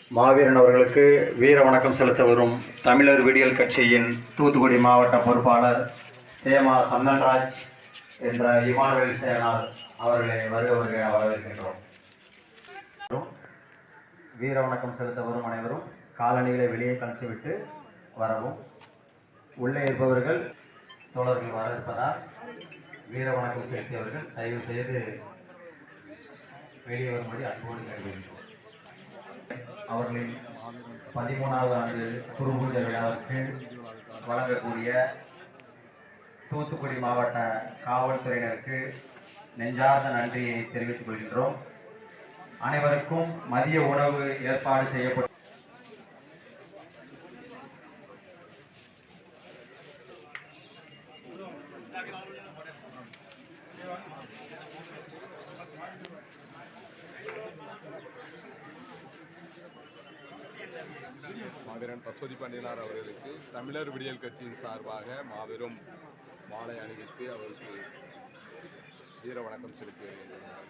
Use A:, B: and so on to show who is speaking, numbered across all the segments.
A: மாவீரன் அவர்களுக்கு வீர வணக்கம் செலுத்த வரும் தமிழர் விடியல் கட்சியின் தூத்துக்குடி மாவட்ட பொறுப்பாளர் தேமா சந்தன்ராஜ் என்ற இமானுவேல் சேனார் அவர்களை வருக வரவேற்கின்றோம். வீர வணக்கம் செலுத்த வரும் அனைவரும் காலணிகளை வெளியே கழித்துவிட்டு வரவும். உள்ளே இருப்பவர்கள் தோழர்கள் வர இருப்பதால் வீர வணக்கம் செலுத்தியவர்கள் தயவு செய்து வெளியே வரும்படி அன்போடு கேட்டுக்கொள்கிறோம். அவர்களின் 13வது ஆண்டு குருபூஜை விழாவிற்கு வழங்கக்கூடிய தூத்துக்குடி மாவட்ட காவல்துறையினருக்கு நெஞ்சார்ந்த நன்றியை தெரிவித்துக் கொள்கின்றோம். அனைவருக்கும் மதிய உணவு ஏற்பாடு செய்யப்பட்டு
B: மாவீரன் பசுபதி பாண்டியனார் அவர்களுக்கு தமிழர் விடியல் கட்சியின் சார்பாக மாபெரும் மாலை அணிவித்து அவருக்கு வீர வணக்கம் செலுத்தி வருகின்றனர்.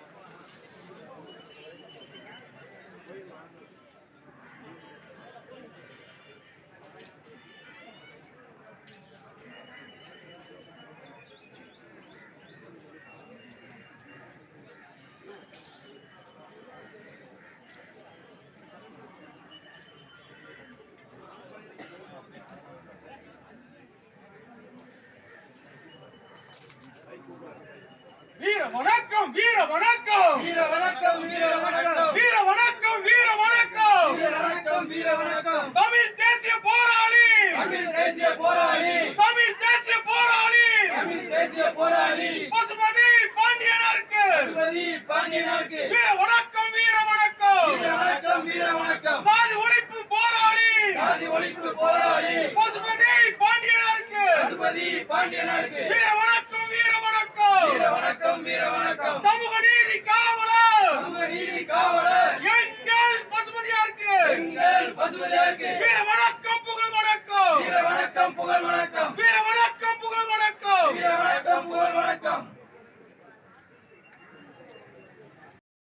C: வீர வணக்கம் வீர வணக்கம்
D: வீர வணக்கம் வீர வணக்கம்
C: வீர வணக்கம் வீர வணக்கம்
D: வீர வணக்கம் வீர வணக்கம்
C: தமிழ் தேசிய போராளி
D: தமிழ் தேசிய போராளி
C: தமிழ் தேசிய போராளி
D: தமிழ் தேசிய போராளி
C: பசுபதி பாண்டியனாருக்கு
D: பசுபதி பாண்டியனாருக்கு
C: வீர வணக்கம் வீர வணக்கம்
D: வீர வணக்கம் வீர வணக்கம்
C: சாதி ஒழிப்பு போராளி
D: சாதி ஒழிப்பு போராளி
C: பசுபதி பாண்டியனாருக்கு
D: பசுபதி பாண்டியனாருக்கு
C: வீர வணக்கம் வீர வணக்கம்
D: வீர வணக்கம் வீர வணக்கம்
C: சமூக நீதி காவலர்
D: சமூக நீதி காவலர்
C: எங்கள் பசுபதியாருக்கு
D: எங்கள் பசுபதியாருக்கு
C: வீர